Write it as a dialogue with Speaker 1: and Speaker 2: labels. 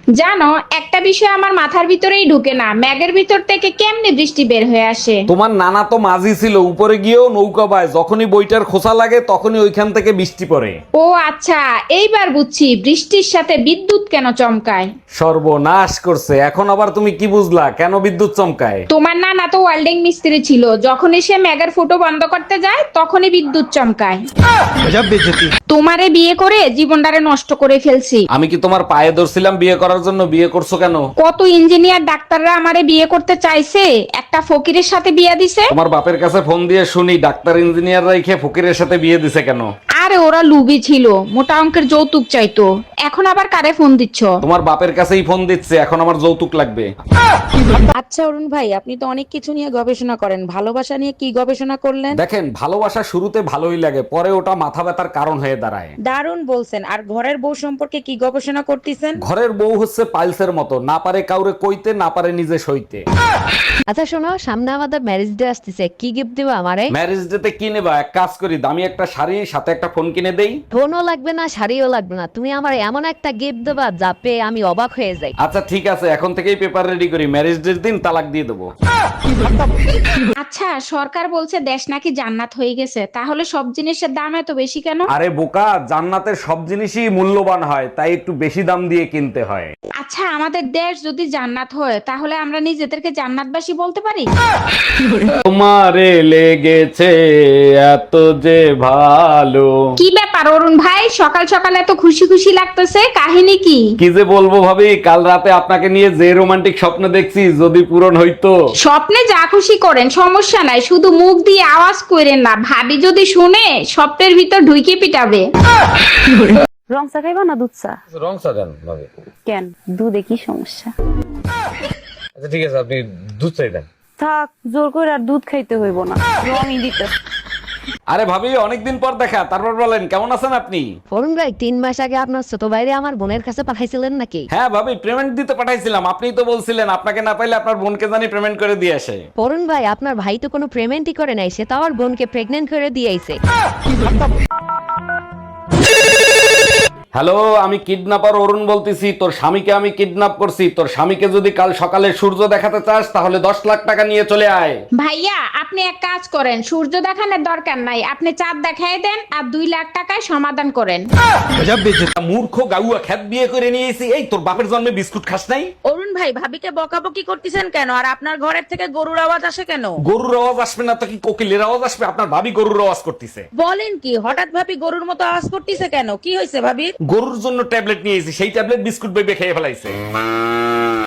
Speaker 1: জানো, একটা বিষয় আমার মাথার ভিতরেই ঢুকে না, ম্যাগের ভিতর থেকে কেমনে বৃষ্টি বের হয়ে আসে।
Speaker 2: তোমার নানা তো মাঝি ছিল, উপরে গিয়েও নৌকা বায়, যখনই বইটার খোসা লাগে তখনই ওইখান থেকে বৃষ্টি পড়ে।
Speaker 1: ও আচ্ছা, এইবার বুঝছি বৃষ্টির সাথে বিদ্যুৎ কেন চমকায়।
Speaker 2: সর্বনাশ করছে, এখন আবার তুমি কি বুঝলা কেন বিদ্যুৎ চমকায়?
Speaker 1: তোমার নানা তো ওয়েল্ডিং মিস্ত্রি ছিল, যখনই সে ম্যাগের ফুটো বন্ধ করতে যায় তখনই বিদ্যুৎ চমকায়। তোমারে বিয়ে করে জীবনটারে নষ্ট করে ফেলছি।
Speaker 2: আমি কি তোমার পায়ে ধরছিলাম বিয়ে করার জন্য? বিয়ে করছো কেন?
Speaker 1: কত ইঞ্জিনিয়ার ডাক্তাররা আমারে বিয়ে করতে চাইছে, একটা ফকিরের সাথে বিয়ে দিছে।
Speaker 2: তোমার বাপের কাছে ফোন দিয়ে শুনি ডাক্তার ইঞ্জিনিয়ার রাইখে ফকিরের সাথে বিয়ে দিছে কেন?
Speaker 1: আরে ওরা লুবি ছিল, মোটা অঙ্কের যৌতুক চাইতো। এখন আবার কারে ফোন দিচ্ছ?
Speaker 2: তোমার বাপের কাছেই ফোন দিচ্ছে, এখন আমার যৌতুক লাগবে।
Speaker 3: আচ্ছা অরুণ ভাই, আপনি তো অনেক কিছু নিয়ে গবেষণা করেন, ভালোবাসা নিয়ে কি গবেষণা করলেন?
Speaker 2: দেখেন, ভালোবাসা শুরুতে ভালোই লাগে, পরে ওটা মাথা ব্যথার কারণ হয়ে দাঁড়ায়।
Speaker 3: দারুণ বলছেন। আর ঘরের বউ সম্পর্কে কি গবেষণা করতেছেন?
Speaker 2: ঘরের বউ হচ্ছে পাইলসের মতো, না পারে কাউরে কইতে, না পারে নিজে সইতে।
Speaker 4: আচ্ছা শোনো, সামনে আমাদের ম্যারেজ ডে আসতেছে, কি গিফট দিবা আমারে?
Speaker 2: ম্যারেজ ডেতে কি নেবা? এক কাজ করি, দামি একটা শাড়ি সাথে একটা ফোন কিনে দেই।
Speaker 4: ফোনও লাগবে না, শাড়িও লাগবে না, তুমি আমার এমন একটা গিফট দেবা যা পেয়ে আমি অবাক হয়ে যাই।
Speaker 2: আচ্ছা ঠিক আছে, এখন থেকেই পেপার রেডি করি, ম্যারেজ ডের দিন তালাক দিয়ে দেবো।
Speaker 1: আচ্ছা, সরকার বলছে দেশ নাকি জান্নাত হয়ে গেছে, তাহলে সব জিনিসের দাম এত বেশি কেন?
Speaker 2: আরে বোকা, জান্নাতের সব জিনিসই মূল্যবান হয়, তাই একটু বেশি দাম দিয়ে কিনতে হয়।
Speaker 1: আচ্ছা, আমাদের দেশ যদি জান্নাত হয় তাহলে আমরা নিজেদেরকে জান্নাতবাসী বলতে পারি?
Speaker 2: তোমারে লেগেছে এত যে ভালো।
Speaker 1: কি ব্যাপার অরুণ ভাই, সকাল সকাল এত খুশি খুশি লাগতেছে, কাহিনী কি?
Speaker 2: কি যে বলবো ভাবি, কাল রাতে আপনাকে নিয়ে যে রোমান্টিক স্বপ্ন দেখছি, যদি পূরণ হইতো।
Speaker 1: স্বপ্নে যা খুশি করেন, সমস্যা নাই, শুধু মুখ দিয়ে আওয়াজ করেন না, ভাবি যদি শুনে স্বপ্নের ভিতর ঢুকে পিটাবে।
Speaker 5: রং চা খাইবা না দুধ চা?
Speaker 2: রং সাজান ভাবি।
Speaker 5: কেন, দুধে কি সমস্যা?
Speaker 2: আচ্ছা ঠিক আছে, আপনি দুধ চাই দেন।
Speaker 5: থাক, জোর করে আর দুধ খাইতে হইব না, রঙই দিতে।
Speaker 2: আরে ভাবি, অনেকদিন পর দেখা, তারপর বলেন কেমন আছেন আপনি?
Speaker 4: অরুণ ভাই, 3 মাস আগে আপনার ছোট ভাইরে আমার বোনের কাছে পাঠাইছিলেন নাকি?
Speaker 2: হ্যাঁ ভাবি, পেমেন্ট দিতে পাঠাইছিলাম, আপনিই তো বলছিলেন আপনাকে না পাইলে আপনার বোনকে জানি পেমেন্ট করে দিয়ে আসে।
Speaker 4: অরুণ ভাই, আপনার ভাই তো কোনো পেমেন্টই করে নাই, সে তো আমার বোনকে প্রেগনেন্ট করে দিয়েছে।
Speaker 2: হ্যালো, আমি কিডন্যাপার অরুণ বলতেছি। তোর স্বামীকে আমি কিডন্যাপ করছি। তোর স্বামীকে যদি কাল সকালে সূর্য দেখাতে চাস তাহলে 10 লাখ টাকা নিয়ে চলে আয়।
Speaker 1: ভাইয়া, আপনি এক কাজ করেন, সূর্য দেখানোর দরকার নাই, আপনি চাঁদ দেখাই দেন আর 2 লাখ টাকায় সমাধান করেন।
Speaker 2: মূর্খ গাউয়া, খ্যাত বিয়ে করে নিয়েছি। এই তোর বাপের জন্মে বিস্কুট খাস নাই?
Speaker 3: অরুণ ভাই, ভাবিকে বকাবকি করতেছেন কেন? আর আপনার ঘরের থেকে গরুর আওয়াজ আসে কেন?
Speaker 2: গরুর আওয়াজ আসবে না তো কি কোকিলের আওয়াজ আসবে? আপনার ভাবি গরুর আওয়াজ করতেছে।
Speaker 3: বলেন কি, হঠাৎ ভাবি গরুর মতো আওয়াজ করতেছে কেন? কি হয়েছে ভাবির?
Speaker 2: গরুর জন্য ট্যাবলেট নিয়েছি, সেই ট্যাবলেট বিস্কুট বেবে খেয়ে ফেলাইছে।